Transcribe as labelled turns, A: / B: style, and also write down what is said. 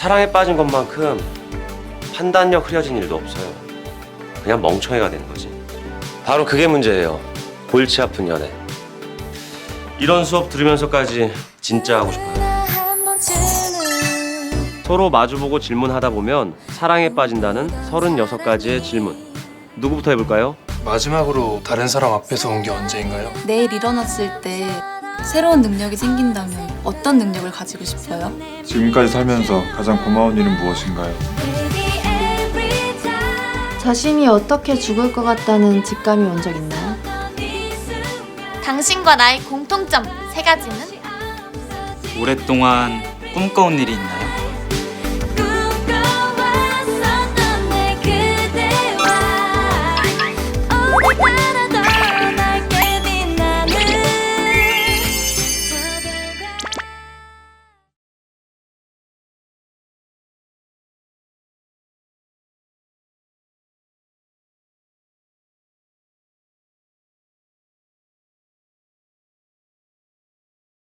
A: 사랑에 빠진 것만큼 판단력 흐려진 일도 없어요. 그냥 멍청이가 되는 거지. 바로 그게 문제예요. 골치 아픈 연애. 이런 수업 들으면서까지 진짜 하고 싶어요. 서로 마주보고 질문하다 보면 사랑에 빠진다는 36가지의 질문. 누구부터 해볼까요?
B: 마지막으로 다른 사람 앞에서 온 게 언제인가요?
C: 내일 일어났을 때 새로운 능력이 생긴다면 어떤 능력을 가지고 싶어요?
D: 지금까지 살면서 가장 고마운 일은 무엇인가요?
E: 자신이 어떻게 죽을 것 같다는 직감이 온 적 있나요?
F: 당신과 나의 공통점 3가지는?
G: 오랫동안 꿈꿔온 일이 있나요?